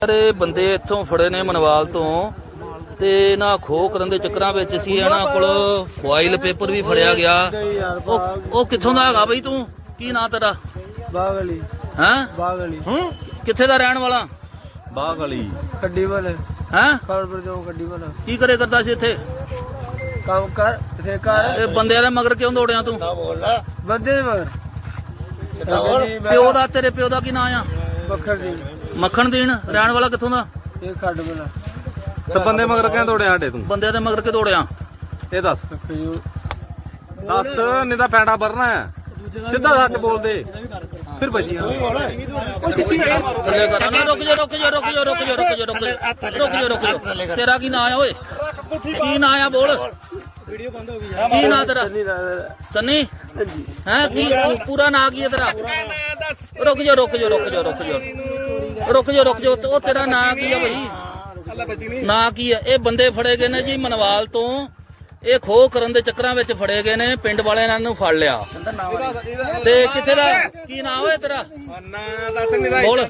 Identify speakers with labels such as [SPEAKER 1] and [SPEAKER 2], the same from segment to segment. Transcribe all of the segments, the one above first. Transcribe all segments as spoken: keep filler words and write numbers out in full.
[SPEAKER 1] ਸਾਰੇ ਬੰਦੇ ਇੱਥੋਂ ਫੜੇ ਨੇ ਮਨਵਾਲ ਤੋਂ ਤੇ ਇਹਨਾਂ ਖੋਹ ਕਰਨ ਦੇ ਚੱਕਰਾਂ ਵਿੱਚ ਸੀ। ਇਹਨਾਂ ਕੋਲ ਫਾਈਲ ਪੇਪਰ ਵੀ ਫੜਿਆ ਗਿਆ। ਉਹ ਉਹ ਕਿੱਥੋਂ ਦਾ ਹੈਗਾ ਬਈ ਤੂੰ? ਕੀ ਨਾਂ ਤੇਰਾ?
[SPEAKER 2] ਬਾਗ ਅਲੀ।
[SPEAKER 1] ਹੈਂ?
[SPEAKER 2] ਬਾਗ ਅਲੀ।
[SPEAKER 1] ਕਿੱਥੇ ਦਾ ਰਹਿਣ ਵਾਲਾ?
[SPEAKER 3] ਬਾਗ ਅਲੀ
[SPEAKER 2] ਖੱਡੀ ਵਾਲੇ।
[SPEAKER 1] ਹੈਂ?
[SPEAKER 2] ਖੜਪੁਰ ਤੋਂ ਖੱਡੀ ਵਾਲਾ।
[SPEAKER 1] ਕੀ ਕਰੇ ਕਰਦਾ ਸੀ ਇੱਥੇ?
[SPEAKER 2] ਕੰਮ ਕਰ ਇੱਥੇ ਕਰ।
[SPEAKER 1] ਇਹ ਬੰਦਿਆਂ ਦੇ ਮਗਰ ਕਿਉਂ ਦੌੜਿਆ ਤੂੰ?
[SPEAKER 2] ਬੰਦੇ ਦੇ ਮਗਰ
[SPEAKER 1] ਪਿਓ ਦਾ ਤੇਰੇ ਪਿਓ ਦਾ ਕੀ ਨਾਂ ਆ?
[SPEAKER 2] ਬੱਖਰ ਦੀ
[SPEAKER 1] ਮੱਖਣ ਦੇਣ। ਰਹਿਣ ਵਾਲਾ ਕਿੱਥੋਂ ਦਾ?
[SPEAKER 2] ਇਹ ਖੱਡ ਵਾਲਾ।
[SPEAKER 3] ਤੇ ਬੰਦੇ ਮਗਰ ਕਿਉਂ ਦੌੜਿਆ ਸਾਡੇ ਤੂੰ?
[SPEAKER 1] ਬੰਦਿਆਂ ਦੇ ਮਗਰ ਕਿ ਦੌੜਿਆ?
[SPEAKER 3] ਇਹ ਦੱਸ ਦੱਸ ਨਹੀਂ ਤਾਂ ਪੈਂਡਾ ਭਰਨਾ ਹੈ। ਸਿੱਧਾ ਸੱਚ ਬੋਲ ਦੇ ਫਿਰ ਭਜੀ
[SPEAKER 1] ਥੱਲੇ ਕਰ ਨਾ। ਰੁਕ ਜਾ ਰੁਕ ਜਾ ਰੁਕ ਜਾ ਰੁਕ ਜਾ ਰੁਕ ਜਾ ਰੁਕ ਜਾ ਰੁਕ ਜਾ ਰੁਕ ਜਾ। ਤੇਰਾ ਕੀ ਨਾਂ ਆ ਓਏ? ਕੀ ਨਾਂ ਆ ਬੋਲ? ਵੀਡੀਓ ਬੰਦ ਹੋ ਗਈ। ਕੀ ਨਾਂ ਤੇਰਾ? ਸੰਨੀ। ਹੈ ਕੀ ਪੂਰਾ ਨਾਂ ਕੀ ਹੈ ਤੇਰਾ? ਰੁਕ ਜਾ ਰੁਕ ਜਾ ਰੁਕ ਜਾ ਰੁਕ ਜਾ ਰੁਕ ਜਾ ਰੁਕ ਜਾ। ਉਹ ਤੇਰਾ ਨਾਂ ਕੀ ਹੈ ਭਾਈ? ਨਾਂ ਕੀ ਹੈ? ਇਹ ਬੰਦੇ ਫੜੇ ਗਏ ਨੇ ਜੀ ਮਨਵਾਲ ਤੋਂ। ਇਹ ਖੋਹ ਕਰਨ ਦੇ ਚੱਕਰਾਂ ਵਿੱਚ ਫੜੇ ਗਏ ਨੇ। ਪਿੰਡ ਵਾਲਿਆਂ ਨੇ ਇਹਨਾਂ ਨੂੰ ਫੜ ਲਿਆ। ਤੇ ਕਿੱਥੇ ਦਾ ਕੀ ਨਾਂ ਹੋਏ ਤੇਰਾ? ਬੋਲ।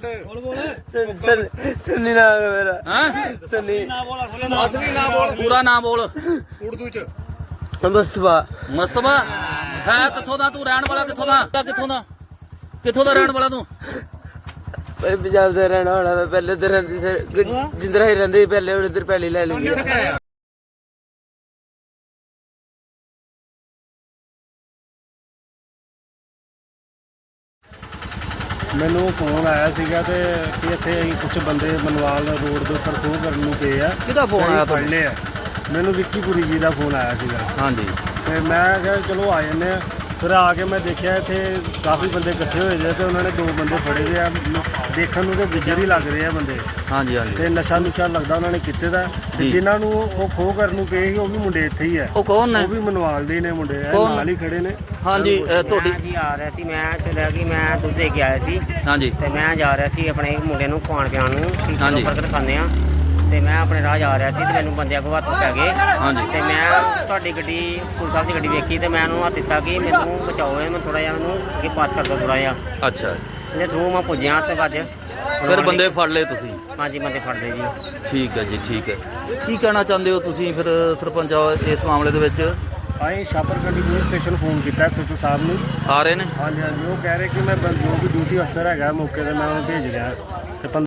[SPEAKER 2] ਸੰਨੀ ਨਾਮ ਹੈ ਮੇਰਾ।
[SPEAKER 1] ਹਾਂ
[SPEAKER 2] ਸੰਨੀ।
[SPEAKER 3] ਅਸਲੀ ਨਾ ਬੋਲ।
[SPEAKER 1] ਪੂਰਾ ਨਾਂ ਬੋਲ।
[SPEAKER 3] ਉਰਦੂ ਚ
[SPEAKER 2] ਮੁਸਤਫਾ।
[SPEAKER 1] ਮੁਸਤਫਾ ਹੈ ਕਿੱਥੋਂ ਦਾ ਤੂੰ? ਰਹਿਣ ਵਾਲਾ ਕਿੱਥੋਂ ਦਾ? ਕਿੱਥੋਂ ਦਾ ਕਿੱਥੋਂ ਦਾ ਰਹਿਣ ਵਾਲਾ ਤੂੰ?
[SPEAKER 2] ਪੰਜਾਬ ਦਾ ਰਹਿਣਾ ਹੋਣਾ। ਮੈਂ ਪਹਿਲੇ ਤੇ ਰਹਿੰਦੀ ਸਰ ਜਿੰਦਰਾ ਹੀ ਰਹਿੰਦੀ ਪਹਿਲੇ ਹੁਣ ਇੱਧਰ ਪਹਿਲੀ ਲੈ ਲਈ।
[SPEAKER 4] ਮੈਨੂੰ ਫੋਨ ਆਇਆ ਸੀਗਾ ਤੇ ਕਿ ਇੱਥੇ ਅਸੀਂ ਕੁਝ ਬੰਦੇ ਮਨਵਾਲ ਰੋਡ ਦੇ ਉੱਪਰ ਖੋਹ ਕਰਨ ਨੂੰ ਗਏ ਆ।
[SPEAKER 1] ਕਿਹਦਾ ਫੋਨ ਆਇਆ
[SPEAKER 4] ਫੜ ਲਏ ਆ। ਮੈਨੂੰ ਵਿੱਕੀਪੁਰੀ ਜੀ ਦਾ ਫੋਨ ਆਇਆ ਸੀਗਾ।
[SPEAKER 1] ਹਾਂਜੀ।
[SPEAKER 4] ਤੇ ਮੈਂ ਕਿਹਾ ਚਲੋ ਆ ਜੰਨੇ ਆ। ਫਿਰ ਆ ਕੇ ਮੈਂ ਦੇਖਿਆ ਇੱਥੇ ਕਾਫੀ ਬੰਦੇ ਇਕੱਠੇ ਹੋਏ ਜੇ ਤੇ ਉਹਨਾਂ ਨੇ ਦੋ ਬੰਦੇ ਫੜੇ ਦੇ ਆ। ਦੇਖਣ ਨੂੰ ਤੇ ਗੁੱਜਰ ਹੀ ਲੱਗ ਰਹੇ ਆ ਬੰਦੇ।
[SPEAKER 1] ਹਾਂਜੀ ਹਾਂਜੀ।
[SPEAKER 4] ਤੇ ਨਸ਼ਾ ਨੁਸ਼ਾ ਲੱਗਦਾ ਉਹਨਾਂ ਨੇ ਕੀਤੇ ਦਾ। ਤੇ ਜਿਨ੍ਹਾਂ ਨੂੰ ਉਹ ਖੋਹ ਕਰਨ ਨੂੰ ਗਏ ਸੀ ਉਹ ਵੀ ਮੁੰਡੇ ਇੱਥੇ ਹੀ ਆ।
[SPEAKER 1] ਉਹ ਕੌਣ ਨੇ?
[SPEAKER 4] ਉਹ ਵੀ ਮਨਵਾਲ ਦੇ ਨੇ ਮੁੰਡੇ ਆ। ਨਾਲ ਹੀ ਖੜੇ ਨੇ।
[SPEAKER 1] ਹਾਂਜੀ ਇਹ ਤੁਹਾਡੀ
[SPEAKER 5] ਜੀ ਆ ਰਿਹਾ ਸੀ। ਮੈਂ ਚਲਿਆ ਕਿ ਮੈਂ ਦੁੱਧ ਦੇ ਕੇ ਆਇਆ ਸੀ
[SPEAKER 1] ਹਾਂਜੀ
[SPEAKER 5] ਤੇ ਮੈਂ ਜਾ ਰਿਹਾ ਸੀ ਆਪਣੇ ਮੁੰਡੇ ਨੂੰ ਖਵਾਉਣ ਪਿਆਉਣ ਨੂੰ।
[SPEAKER 1] ਹਾਂਜੀ।
[SPEAKER 5] ਬਰਗਰ ਖਾਂਦੇ ਆ ਤੇ ਮੈਂ ਆਪਣੇ ਰਾਹ ਜਾ ਰਿਹਾ ਸੀ ਤੇ ਮੈਨੂੰ ਬੰਦਿਆਂ ਕੋਲ ਹੱਥ ਪੈ ਗਏ।
[SPEAKER 1] ਹਾਂਜੀ।
[SPEAKER 5] ਤੇ ਮੈਂ ਤੁਹਾਡੀ ਗੱਡੀ ਪੁਲਿਸ ਸਾਹਿਬ ਦੀ ਗੱਡੀ ਵੇਖੀ ਤੇ ਮੈਂ ਉਹਨੂੰ ਹੱਥ ਦਿੱਤਾ ਕਿ ਮੈਨੂੰ ਬਚਾਓ। ਮੈਂ ਥੋੜਾ ਜਿਹਾ ਮੈਨੂੰ ਅੱਗੇ ਪਾਸ ਕਰ ਦਿਓ ਥੋੜਾ ਜਿਹਾ।
[SPEAKER 1] ਅੱਛਾ।
[SPEAKER 5] ਇਹਦੇ ਥਰੂ ਮੈਂ ਪੁੱਜਿਆ ਤੇ ਭੱਜ
[SPEAKER 1] ਫਿਰ ਬੰਦੇ ਫੜ ਲਏ ਤੁਸੀਂ?
[SPEAKER 5] ਹਾਂਜੀ ਬੰਦੇ ਫੜਦੇ ਜੀ।
[SPEAKER 1] ਠੀਕ ਹੈ ਜੀ ਠੀਕ ਹੈ। ਕੀ ਕਹਿਣਾ ਚਾਹੁੰਦੇ ਹੋ ਤੁਸੀਂ ਫਿਰ ਸਰਪੰਚ ਇਸ ਮਾਮਲੇ ਦੇ ਵਿੱਚ?
[SPEAKER 4] ਅਸੀਂ ਛਾਪਰਕੰਡੀ ਪੁਲਿਸ ਸਟੇਸ਼ਨ ਫੋਨ ਕੀਤਾ ਐਸਐਚਓ ਸਾਹਿਬ ਨੂੰ।
[SPEAKER 1] ਆ ਰਹੇ ਨੇ?
[SPEAKER 4] ਹਾਂਜੀ ਹਾਂਜੀ। ਉਹ ਕਹਿ ਰਹੇ ਕਿ ਮੈਂ ਜੋ ਵੀ ਡਿਊਟੀ ਅਫਸਰ ਹੈਗਾ ਮੌਕੇ ਤੇ ਮੈਂ ਉਹਨੂੰ ਭੇਜ ਰਿਹਾ ਤੇ